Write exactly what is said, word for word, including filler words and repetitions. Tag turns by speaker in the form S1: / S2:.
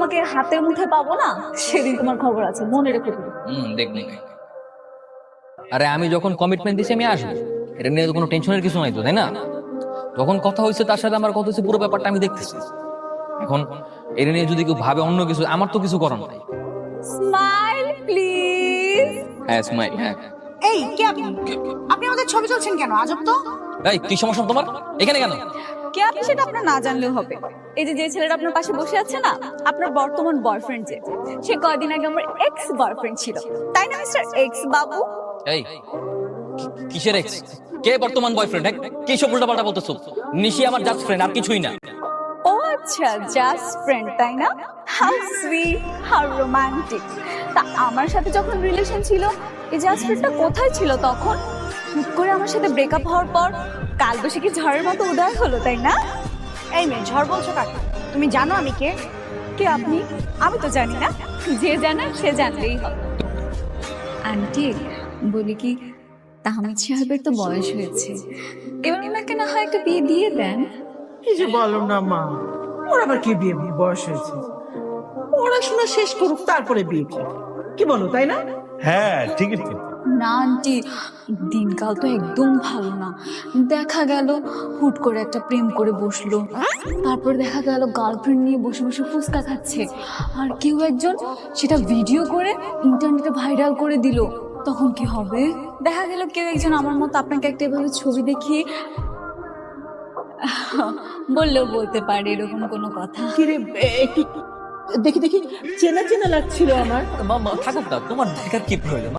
S1: তোমাকে হাতের মুঠে পাবো না, সেদিন তোমার খবর আছে, মনে রেখো তুমি।
S2: হুম দেখবো। আরে আমি যখন কমিটমেন্ট দিছি আমি আসবো, এটা নিয়ে তো কোনো টেনশনের কিছু নাই তো, তাই না? যখন কথা হয়েছে তার সাথে আমার কথা হয়েছে, পুরো ব্যাপারটা আমি দেখতেছি। এখন এটা নিয়ে যদি কেউ ভাবে অন্য কিছু, আমার তো কিছু করার নাই।
S1: Smile please.
S2: হ্যাঁ স্মাইল, হ্যাঁ।
S3: এই কে আপনি? আপনি আমাদের ছবি তুলছেন কেন? আজব তো।
S2: এই কি সমস্যা তোমার এখানে কেন?
S1: কে আপনি সেটা আপনার না জানলেও হবে। এই যে যে ছেলেটা আপনার পাশে বসে আছে না, আপনার বর্তমান বয়ফ্রেন্ড, যে সে কয়দিন আগে আমার এক্স বয়ফ্রেন্ড ছিল, তাই না মিস্টার এক্স বাবু?
S2: এই কি- কিসের এক্স? কে বর্তমান বয়ফ্রেন্ড? কি সব উল্টাপাল্টা বলতেছো? নিশি আমার জাস্ট ফ্রেন্ড, আর কিছুই না।
S1: ও আচ্ছা, জাস্ট ফ্রেন্ড, তাই না? How sweet, how romantic. তা আমার সাথে যখন রিলেশন ছিল, এই জাস্ট ফ্রেন্ডটা কোথায় ছিল তখন? হুট করে আমার সাথে ব্রেকআপ হওয়ার পর কালবৈশাখী ঝড়ের মতো উদয় হলো, তাই না?
S3: এই মেয়ে, ঝড় বলছো কাকে? তুমি জানো আমি কে?
S1: কে আপনি? আমি তো জানি না, যে জানার সে জানলেই হবে। আন্টি বলি কি, তাহমিদ সাহেবের তো বয়স হয়েছে, এবার ওনাকে না হয় একটা বিয়ে দিয়ে দেন।
S4: এই যে বলো না মা, ওর আবার কি বিয়ে বিয়ে বয়স হয়েছে? পড়াশোনা শেষ করুক তারপরে বিয়ে করবে, কি বলো তাই না?
S5: হ্যাঁ ঠিকই ঠিক।
S1: না আন্টি, দিনকাল তো একদম ভালো না। দেখা গেল হুট করে একটা প্রেম করে বসলো, তারপর দেখা গেল গার্লফ্রেন্ড নিয়ে বসে বসে ফুচকা খাচ্ছে, আর কেউ একজন সেটা ভিডিও করে ইন্টারনেটে ভাইরাল করে দিল, তখন কি হবে? দেখা গেল কেউ একজন আমার মতো আপনাকে একটা এভাবে ছবি দেখিয়ে বললেও বলতে পারে এরকম কোনো কথা।
S4: কিরে, এ- একটু দেখি দেখি, চেনা চেনা লাগছিল আমার।
S2: মামা থাকুক না, তোমার দেখার কি প্রয়োজন?